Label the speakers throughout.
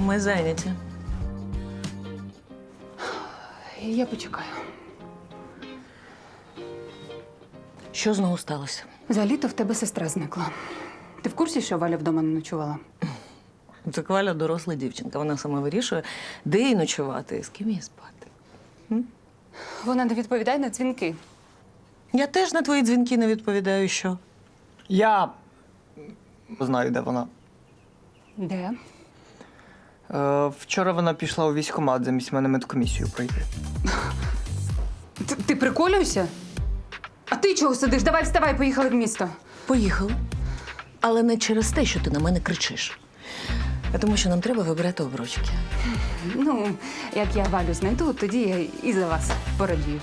Speaker 1: Ми зайняті.
Speaker 2: Я почекаю.
Speaker 1: Що знову сталося?
Speaker 2: За літо в тебе сестра зникла. Ти в курсі, що Валя вдома не ночувала?
Speaker 1: Це Валя доросла дівчинка. Вона сама вирішує, де їй ночувати і з ким їй спати.
Speaker 2: Вона не відповідає на дзвінки.
Speaker 1: Я теж на твої дзвінки не відповідаю, що?
Speaker 3: Я знаю, де вона.
Speaker 2: Де?
Speaker 3: Вчора вона пішла у військкомат замість мене медкомісію пройти.
Speaker 2: Ти приколюєшся? А ти чого сидиш? Давай вставай, поїхали в місто.
Speaker 1: Поїхали. Але не через те, що ти на мене кричиш. А тому, що нам треба вибирати обручки.
Speaker 2: Ну, як я Валю знайду, тоді я і за вас порадію.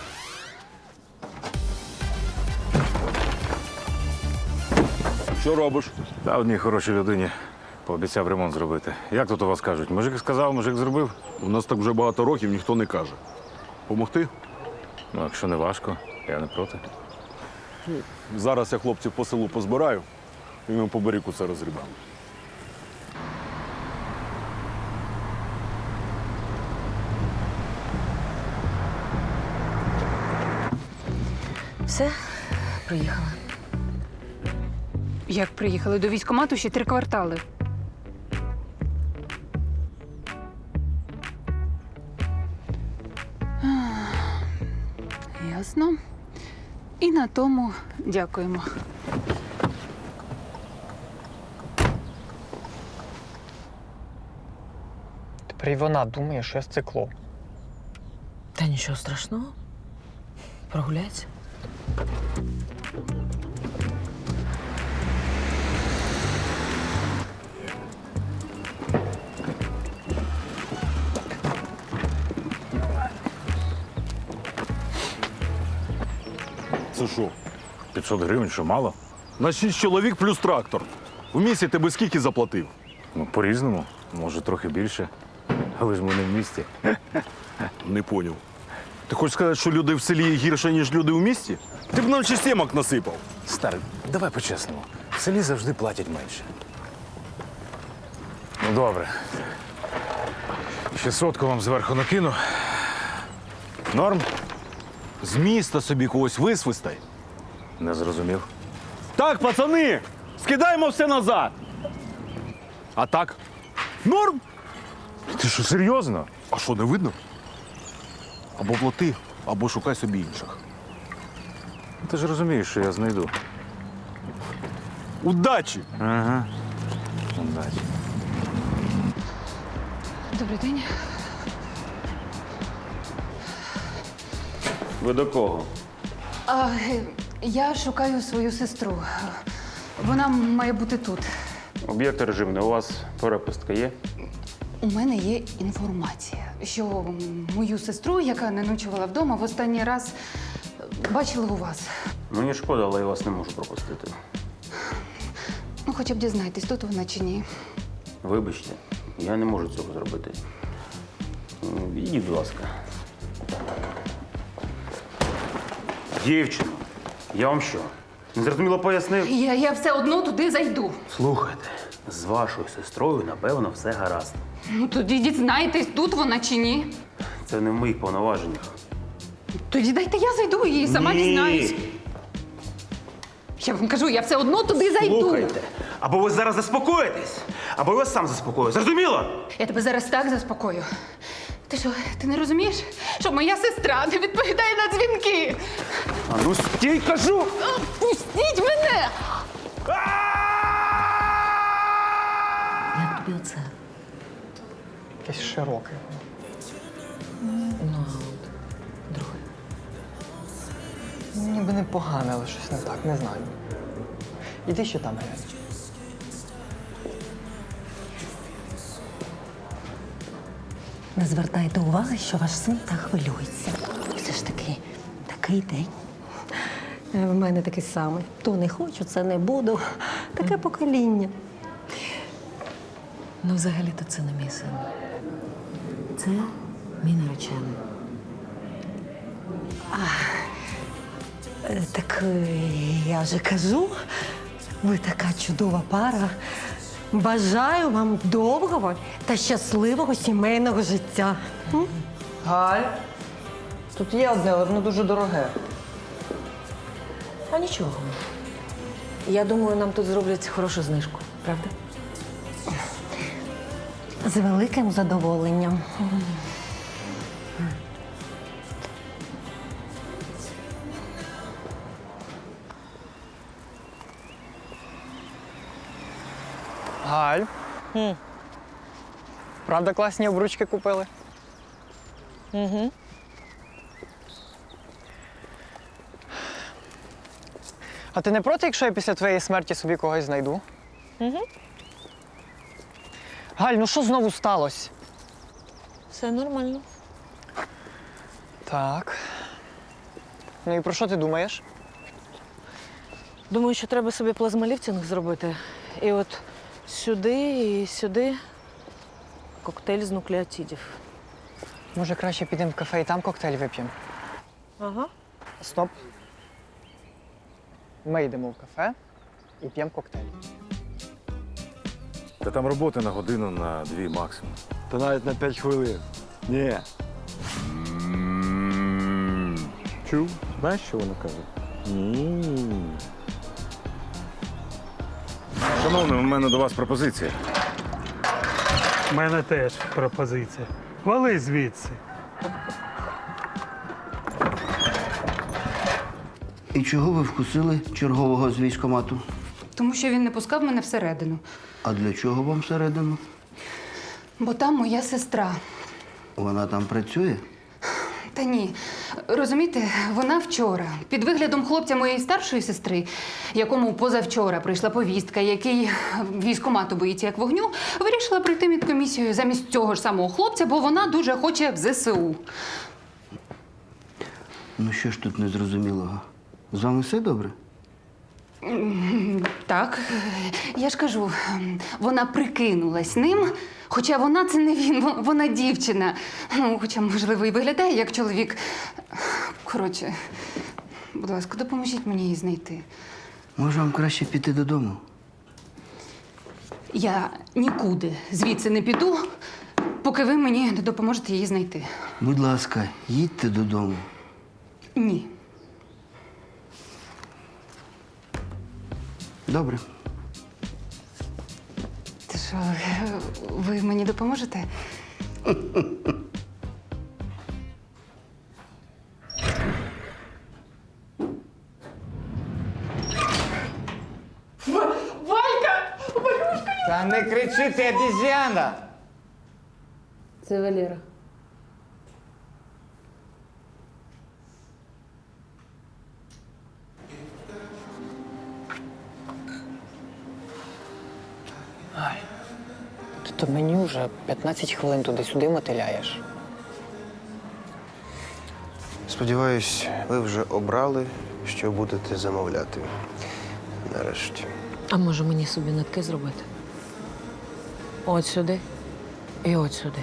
Speaker 4: Що робиш?
Speaker 5: Та одній хорошій людині пообіцяв ремонт зробити. Як тут у вас кажуть? Мужик сказав, мужик зробив?
Speaker 4: У нас так вже багато років ніхто не каже. Помогти?
Speaker 5: Ну, якщо не важко, я не проти.
Speaker 4: Зараз я хлопців по селу позбираю і ми по берегу це розрібаємо.
Speaker 1: Все, приїхала.
Speaker 2: Як приїхали до військкомату, ще 3 квартали. Ясно. І на тому дякуємо.
Speaker 3: Тепер і вона думає, що я з циклом.
Speaker 1: Та нічого страшного. Прогуляйся.
Speaker 4: Це що?
Speaker 5: 500 гривень, що мало?
Speaker 4: На 6 чоловік плюс трактор. В місті ти би скільки заплатив?
Speaker 5: Ну, по-різному. Може, трохи більше. Але ж ми не в місті.
Speaker 4: Не поняв. Ти хочеш сказати, що люди в селі гірше, ніж люди в місті? Ти б нам ще сімок насипав.
Speaker 5: Старий, давай по-чесному. В селі завжди платять менше. Ну, добре. Ще 100 вам зверху накину. Норм?
Speaker 4: З міста собі когось висвистай.
Speaker 5: Не зрозумів.
Speaker 4: Так, пацани, скидаємо все назад. А так? Норм?
Speaker 5: Ти що, серйозно?
Speaker 4: А що, не видно? Або плати, або шукай собі інших.
Speaker 5: Ти ж розумієш, що я знайду.
Speaker 4: Удачі!
Speaker 5: Ага. Удачі.
Speaker 2: Добрий день.
Speaker 6: Ви до кого?
Speaker 2: Я шукаю свою сестру. Вона має бути тут.
Speaker 6: Об'єкт режимний. У вас перепустка є?
Speaker 2: У мене є інформація, що мою сестру, яка не ночувала вдома, в останній раз бачили у вас.
Speaker 6: Мені шкода, але я вас не можу пропустити.
Speaker 2: Ну, хоча б дізнайтесь, тут вона чи ні.
Speaker 6: Вибачте, я не можу цього зробити. Ідіть, будь ласка. Дівчино, я вам що? Незрозуміло пояснив?
Speaker 2: Я все одно туди зайду.
Speaker 6: Слухайте, з вашою сестрою, напевно, все гаразд.
Speaker 2: Ну, тоді дізнайтесь, тут вона чи ні.
Speaker 6: Це не в моїх повноваженнях.
Speaker 2: Тоді дайте я зайду і сама дізнаюсь. Я вам кажу, я все одно туди зайду.
Speaker 6: Слухайте, або ви зараз заспокоїтесь, або я вас сам заспокою. Зрозуміло?
Speaker 2: Я тебе зараз так заспокою. Ти що, ти не розумієш, що моя сестра не відповідає на дзвінки?
Speaker 6: А ну стій, кажу!
Speaker 2: Пустіть мене!
Speaker 1: Як тобі оце?
Speaker 3: Якесь широке.
Speaker 1: Ну, а от друге.
Speaker 3: Ніби непогане, але щось не так, не знаю. Іди ще там глянь.
Speaker 1: Не звертайте уваги, що ваш син так хвилюється. Все ж таки, такий день. В мене такий самий. То не хочу, це не буду. Таке покоління. Ну, взагалі-то це не мій син. Це мій наречений. Так я вже кажу, ви така чудова пара. Бажаю вам довгого та щасливого сімейного життя.
Speaker 3: Галь, тут є одне, але воно дуже дороге.
Speaker 1: А нічого. Я думаю, нам тут зроблять хорошу знижку, правда? З великим задоволенням.
Speaker 3: Галь. Правда, класні обручки купили? А ти не проти, якщо я після твоєї смерті собі когось знайду? Галь, ну що знову сталося?
Speaker 1: Все нормально.
Speaker 3: Так. Ну і про що ти думаєш?
Speaker 7: Думаю, що треба собі плазмоліфтинг зробити. І от сюди і сюди коктейль з нуклеотидів.
Speaker 3: Може, краще підемо в кафе і там коктейль вип'ємо?
Speaker 7: Ага.
Speaker 3: Стоп. Ми йдемо в кафе і п'ємо коктейль.
Speaker 5: Та там роботи на годину, на 2 максимум.
Speaker 4: Та навіть на 5 хвилин. Ні. Чув? Знаєш, що вона каже?
Speaker 5: Шановний, у мене до вас пропозиція.
Speaker 8: У мене теж пропозиція. Вали звідси.
Speaker 9: І чого ви вкусили чергового з військкомату?
Speaker 2: Тому що він не пускав мене всередину.
Speaker 9: А для чого вам всередину?
Speaker 2: Бо там моя сестра.
Speaker 9: Вона там працює?
Speaker 2: Та ні. Розумієте, вона вчора, під виглядом хлопця моєї старшої сестри, якому позавчора прийшла повістка, який військкомату боїться як вогню, вирішила прийти медкомісію замість цього ж самого хлопця, бо вона дуже хоче в ЗСУ.
Speaker 9: Ну що ж тут незрозумілого? З вами все добре?
Speaker 2: Так, я ж кажу, вона прикинулась ним, хоча вона це не він, вона дівчина. Ну, хоча, можливо, і виглядає як чоловік. Коротше, будь ласка, допоможіть мені її знайти.
Speaker 9: Може, вам краще піти додому?
Speaker 2: Я нікуди звідси не піду, поки ви мені не допоможете її знайти.
Speaker 9: Будь ласка, їдьте додому.
Speaker 2: Ні.
Speaker 9: Добре.
Speaker 2: Ти що, ви мені допоможете?
Speaker 10: Та не кричи, ти обіз'яна!
Speaker 7: Це Валера.
Speaker 3: Ти то мені вже 15 хвилин туди-сюди мотиляєш.
Speaker 11: Сподіваюсь, ви вже обрали, що будете замовляти. Нарешті.
Speaker 7: А може мені собі нитки зробити? От сюди і от сюди.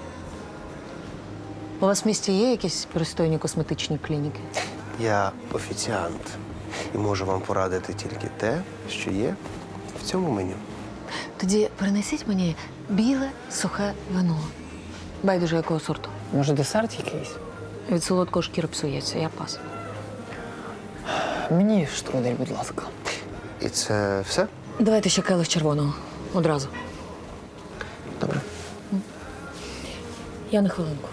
Speaker 7: У вас в місті є якісь пристойні косметичні клініки?
Speaker 11: Я офіціант і можу вам порадити тільки те, що є в цьому меню.
Speaker 7: Тоді принесіть мені біле сухе вино. Байдуже якого сорту.
Speaker 3: Може, десерт якийсь?
Speaker 7: Від солодкого шкіра псується, я пас.
Speaker 3: Мені штрудель, будь ласка.
Speaker 11: І це все?
Speaker 7: Давайте ще келих червоного. Одразу.
Speaker 11: Добре.
Speaker 7: Я на хвилинку.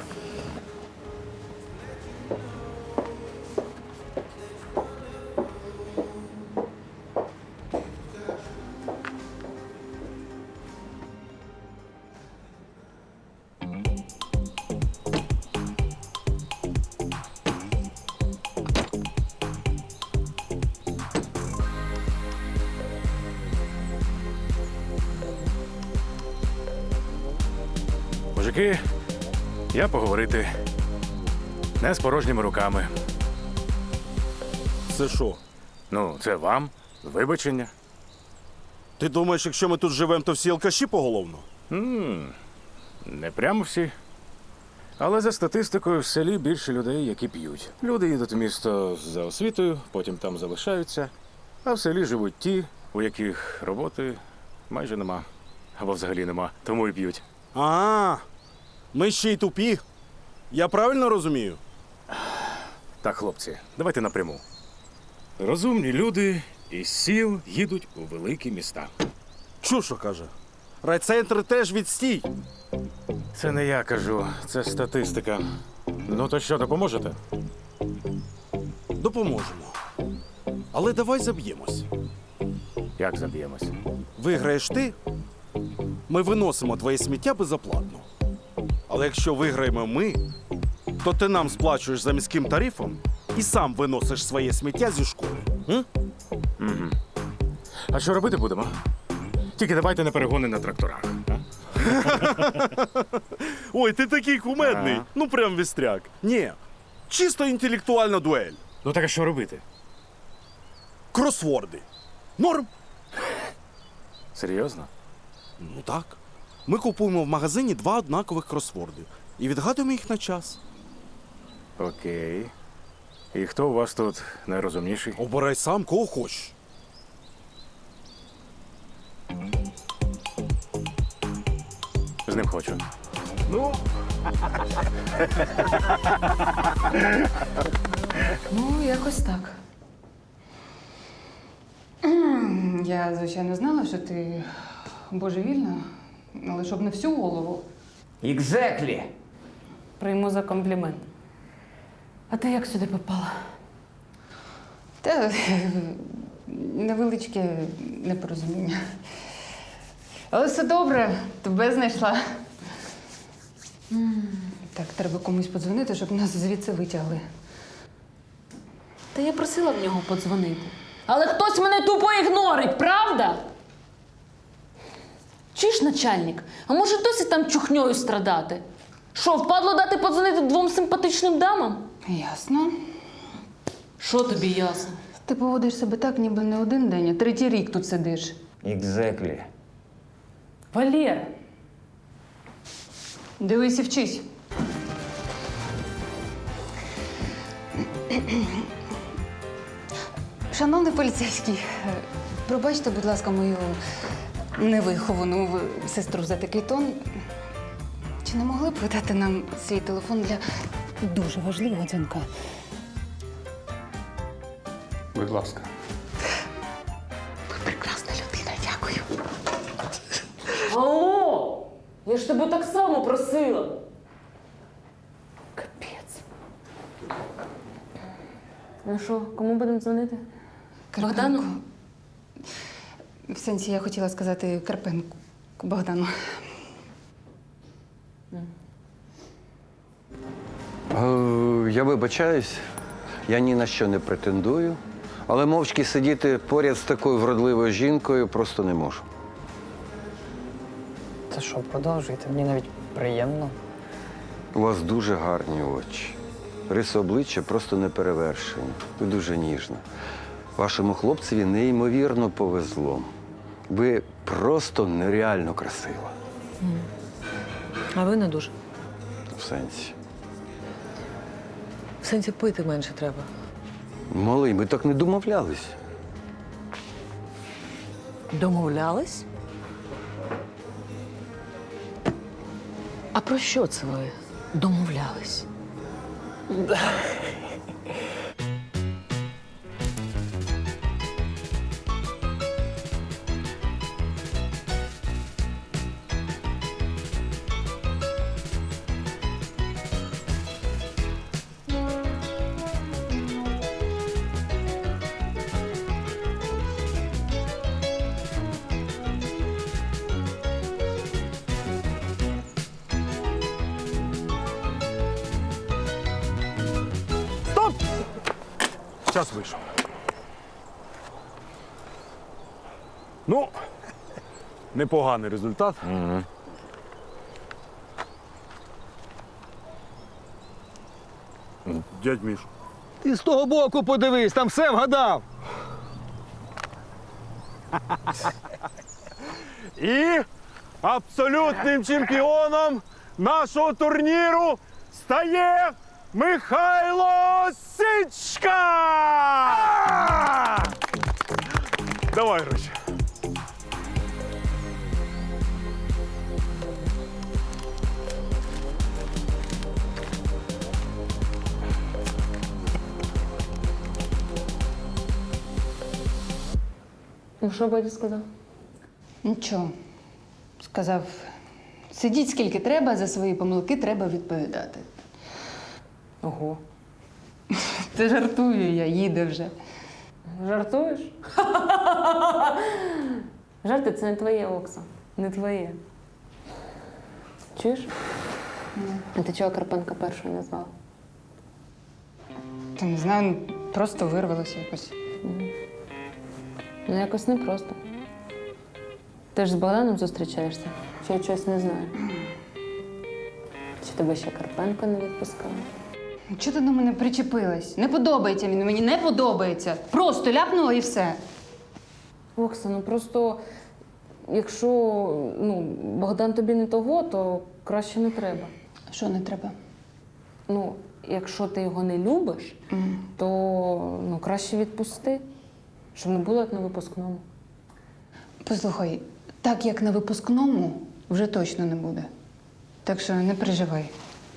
Speaker 5: Мужики, я поговорити. Не з порожніми руками.
Speaker 4: Це що?
Speaker 5: Ну, це вам. Вибачення.
Speaker 4: Ти думаєш, якщо ми тут живемо, то всі алкаші поголовно?
Speaker 5: Не прямо всі. Але за статистикою в селі більше людей, які п'ють. Люди їдуть в місто за освітою, потім там залишаються, а в селі живуть ті, у яких роботи майже нема. або взагалі нема, тому і п'ють.
Speaker 4: А, ми ще й тупі. Я правильно розумію?
Speaker 5: Так, хлопці, давайте напряму. Розумні люди із сіл їдуть у великі міста.
Speaker 4: Що каже? Райцентр теж відстій.
Speaker 5: Це не я кажу, це статистика. Ну то що, допоможете?
Speaker 4: Допоможемо. Але давай заб'ємось.
Speaker 5: Як заб'ємось?
Speaker 4: Виграєш ти, ми виносимо твоє сміття безоплатно. Але якщо виграємо ми, то ти нам сплачуєш за міським тарифом і сам виносиш своє сміття зі школи. М?
Speaker 5: А що робити будемо? Тільки давайте не перегони на тракторах. А?
Speaker 4: Ой, ти такий кумедний.
Speaker 5: Ага.
Speaker 4: Ну прям вістряк. Ні, чисто інтелектуальна дуель.
Speaker 5: Ну так а що робити?
Speaker 4: Кросворди. Норм?
Speaker 5: Серйозно?
Speaker 4: Ну так. Ми купуємо в магазині 2 однакових кросворди і відгадуємо їх на час.
Speaker 5: Окей. І хто у вас тут найрозумніший?
Speaker 4: Обирай сам, кого хочеш.
Speaker 5: З ним хочу.
Speaker 2: Ну, якось так. Я, звичайно, знала, що ти божевільна, але щоб не всю голову.
Speaker 10: Екзеклі.
Speaker 7: Прийму за комплімент. А ти як сюди попала?
Speaker 2: Та невеличке непорозуміння. Але все добре, тебе знайшла. Так, треба комусь подзвонити, щоб нас звідси витягли.
Speaker 7: Та я просила в нього подзвонити. Але хтось мене тупо ігнорить, правда? Чи ж начальник? А може досі там чухньою страдати? Що, впадло дати подзвонити 2 симпатичним дамам?
Speaker 2: Ясно.
Speaker 7: Що тобі ясно?
Speaker 2: Ти поводиш себе так, ніби не один день, а 3-й рік тут сидиш.
Speaker 10: Екзеклі.
Speaker 7: Валєр,
Speaker 2: Дивись і вчись. Шановний поліцейський, пробачте, будь ласка, мою невиховану сестру за такий тон. Чи не могли б ви дати нам свій телефон для дуже важливого дзвінка?
Speaker 6: Будь ласка.
Speaker 2: Ви прекрасна людина, дякую.
Speaker 7: алло! Я ж тебе так само просила. Капець. Ну що, кому будемо дзвонити? Богдану?
Speaker 2: В сенсі, я хотіла сказати Карпенку Богдану.
Speaker 12: Я вибачаюсь, я ні на що не претендую, але мовчки сидіти поряд з такою вродливою жінкою просто не можу.
Speaker 3: Та що, продовжуйте, мені навіть приємно.
Speaker 12: У вас дуже гарні очі. Риси обличчя просто неперевершені. Ви дуже ніжна. Вашому хлопцеві неймовірно повезло. Ви просто нереально красива.
Speaker 7: А ви не дуже.
Speaker 12: В сенсі.
Speaker 7: В сенсі пити менше треба.
Speaker 12: Малий, ми так не домовлялись.
Speaker 7: Домовлялись? А про що це ви домовлялись?
Speaker 4: Час вийшов. Ну, непоганий результат. Дядь Міш.
Speaker 10: Ти з того боку подивись, там все вгадав.
Speaker 4: І абсолютним чемпіоном нашого турніру стає Михайло Сичка! Давай гроші.
Speaker 7: Ну, що батя сказав?
Speaker 2: Нічого. Сказав, сидіть скільки треба, за свої помилки треба відповідати.
Speaker 7: Ого.
Speaker 2: Та жартую я, їде вже.
Speaker 7: Жартуєш? Жарти це не твоє, Окса. Не твоє. Чуєш? А ти чого Карпенка першою не звала?
Speaker 2: Та не знаю, просто вирвалося якось.
Speaker 7: Ну, якось непросто. Ти ж з Богданом зустрічаєшся? Чи я чогось не знаю? Чи тебе ще Карпенко не відпускав?
Speaker 2: Чого ти до мене причепилась? Не подобається він, мені не подобається. Просто ляпнула і все.
Speaker 7: Окса, ну просто якщо Богдан тобі не того, то краще не треба.
Speaker 2: Що не треба?
Speaker 7: Ну, якщо ти його не любиш, то краще відпусти, щоб не було як на випускному.
Speaker 2: Послухай, так як на випускному вже точно не буде. Так що не переживай.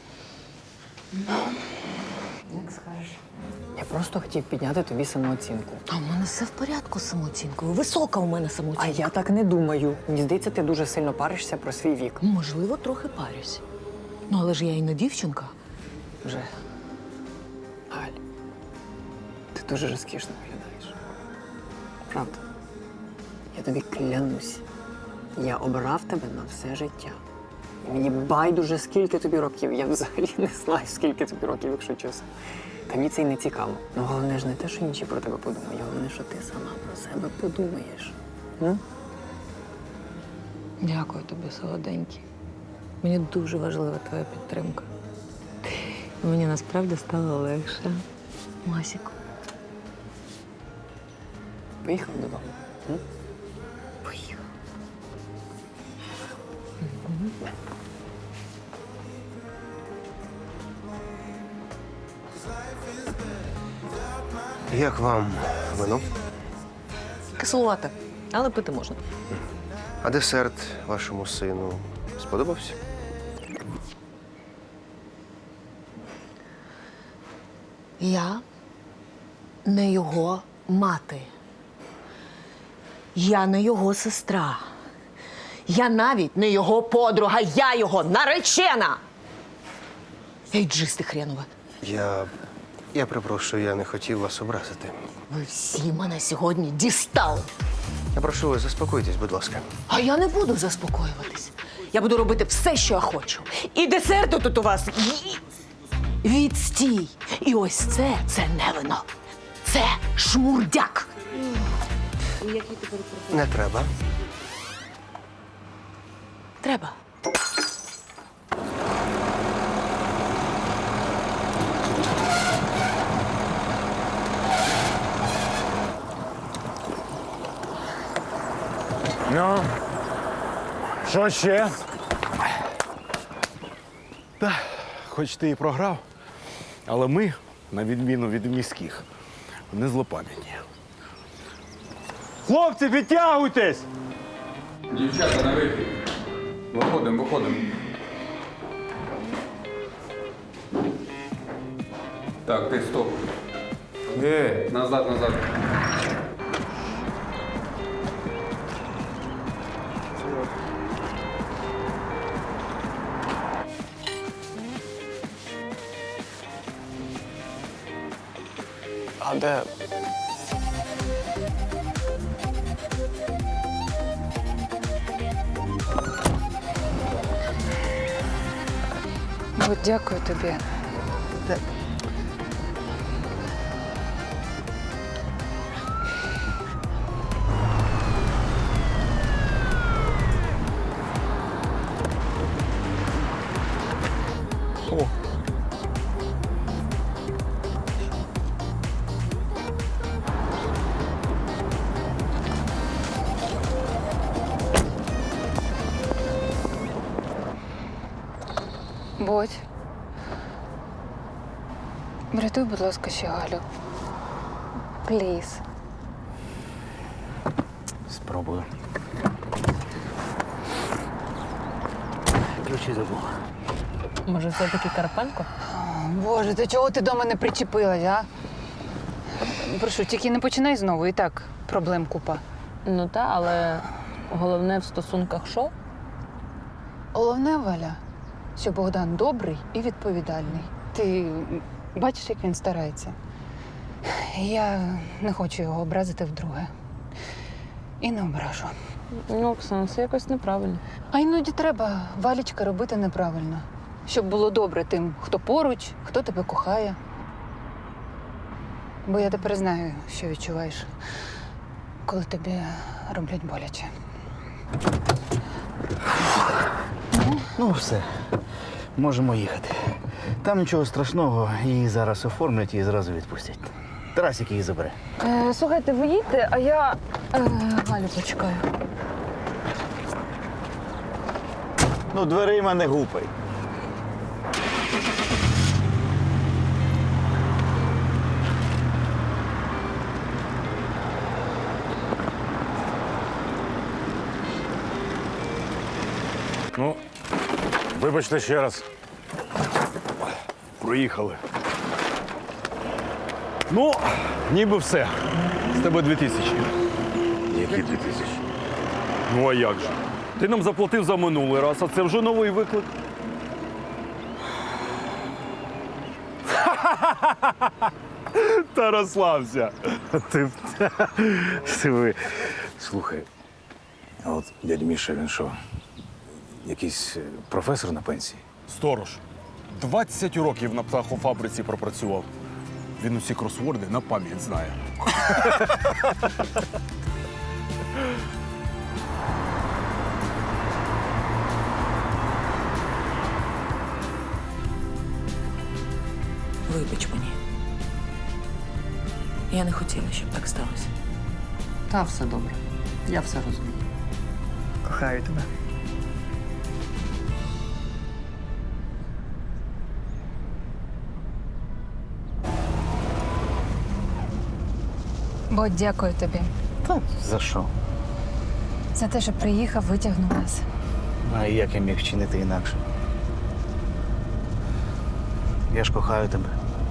Speaker 7: Як скажеш.
Speaker 3: Я просто хотів підняти тобі самооцінку.
Speaker 1: А в мене все в порядку з самооцінкою. Висока у мене
Speaker 3: А
Speaker 1: самооцінка.
Speaker 3: я так не думаю. Мені здається, ти дуже сильно паришся про свій вік.
Speaker 1: Можливо, трохи парюсь. Ну, але ж я і не дівчинка.
Speaker 3: Вже. Галь, ти дуже розкішно виглядаєш. Правда. Я тобі клянусь. Я обрав тебе на все життя. І мені байдуже, скільки тобі років. Я взагалі не знаю, скільки тобі років, якщо чесно. Та мені це й не цікаво. Ну, головне ж не те, що інші про тебе подумають. Головне, що ти сама про себе подумаєш.
Speaker 1: Дякую тобі, солоденький. Мені дуже важлива твоя підтримка. Мені насправді стало легше. Масіку.
Speaker 3: Поїхав додому.
Speaker 1: Поїхав.
Speaker 11: Як вам вино?
Speaker 1: Кислувате, але пити можна.
Speaker 11: А десерт вашому сину сподобався?
Speaker 1: Я не його мати. Я не його сестра. Я навіть не його подруга, я його наречена. Ейджисти хренове.
Speaker 11: Я перепрошую, я не хотів вас образити.
Speaker 1: Ви всі мене сьогодні дістали.
Speaker 11: Я прошу вас, заспокойтесь, будь ласка.
Speaker 1: А я не буду заспокоюватись. Я буду робити все, що я хочу. І десерти тут у вас відстій. І ось це не вино. Це шмурдяк.
Speaker 11: Не треба.
Speaker 1: Треба.
Speaker 5: Ну, що ще?
Speaker 4: Та, хоч ти і програв, але ми, на відміну від міських, не злопам'ятні.
Speaker 10: Хлопці, підтягуйтесь!
Speaker 13: Дівчата, на вихід. Виходимо. Так, ти стоп. Назад.
Speaker 3: А де?
Speaker 2: От дякую тобі. Бодь. Врятуй, будь ласка, ще Галю. Пліз.
Speaker 11: Спробую. Ключі забув.
Speaker 7: Може, все-таки Карпенко?
Speaker 2: Боже, ти чого ти до мене причепилась, а? Прошу, тільки не починай знову, і так проблем купа.
Speaker 7: Ну та, але головне в стосунках що?
Speaker 2: Головне, Валя, що Богдан добрий і відповідальний. Ти бачиш, як він старається. Я не хочу його образити вдруге. І не ображу.
Speaker 7: Ну, Оксана, це якось неправильно.
Speaker 2: А іноді треба, Валічка, робити неправильно. Щоб було добре тим, хто поруч, хто тебе кохає. Бо я тепер знаю, що відчуваєш, коли тобі роблять боляче.
Speaker 10: Ну, все. Можемо їхати. Там нічого страшного, її зараз оформлять і зразу відпустять. Тарасик її забере.
Speaker 7: Слухайте, ви їдьте, а я Галю почекаю.
Speaker 10: Ну, дверима не гупай.
Speaker 5: Ну, вибачте ще раз.
Speaker 4: Проїхали. Ну, ніби все. З тебе 2000.
Speaker 5: Які 2000?
Speaker 4: Ну а як же? Ти нам заплатив за минулий раз, а це вже новий виклик. Та розслабся.
Speaker 5: Ви. Слухай, а от дядь Міша, він що? Якийсь професор на пенсії?
Speaker 4: Сторож. 20 років на птахофабриці пропрацював. Він усі кросворди на пам'ять знає.
Speaker 14: Вибач мені. Я не хотіла, щоб так сталося.
Speaker 3: Та все добре. Я все розумію. Кохаю тебе.
Speaker 2: Бо дякую тобі
Speaker 10: Та за що?
Speaker 2: за те, що приїхав, витягнув нас.
Speaker 10: А як я міг вчинити інакше? Я ж кохаю тебе.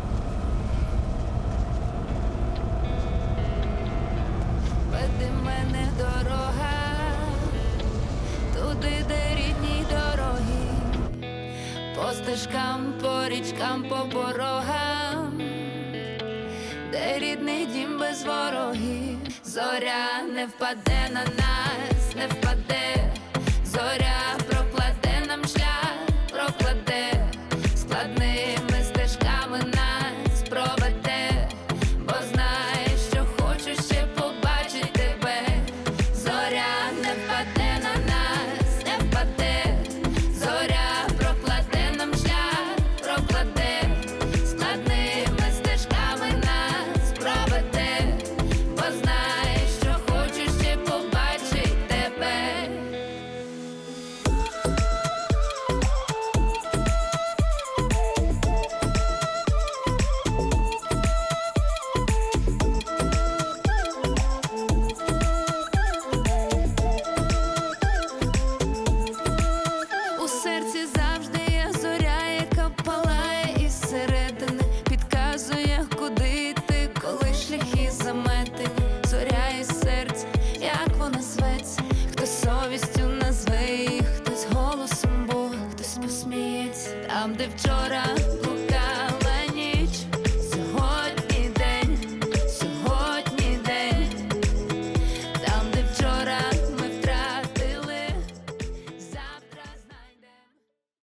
Speaker 15: Веди мене дорога, туди, де рідні дороги, по стежкам, по річкам, по порогам, де рідний дім без ворогів. Зоря не впаде на нас, не впаде, зоря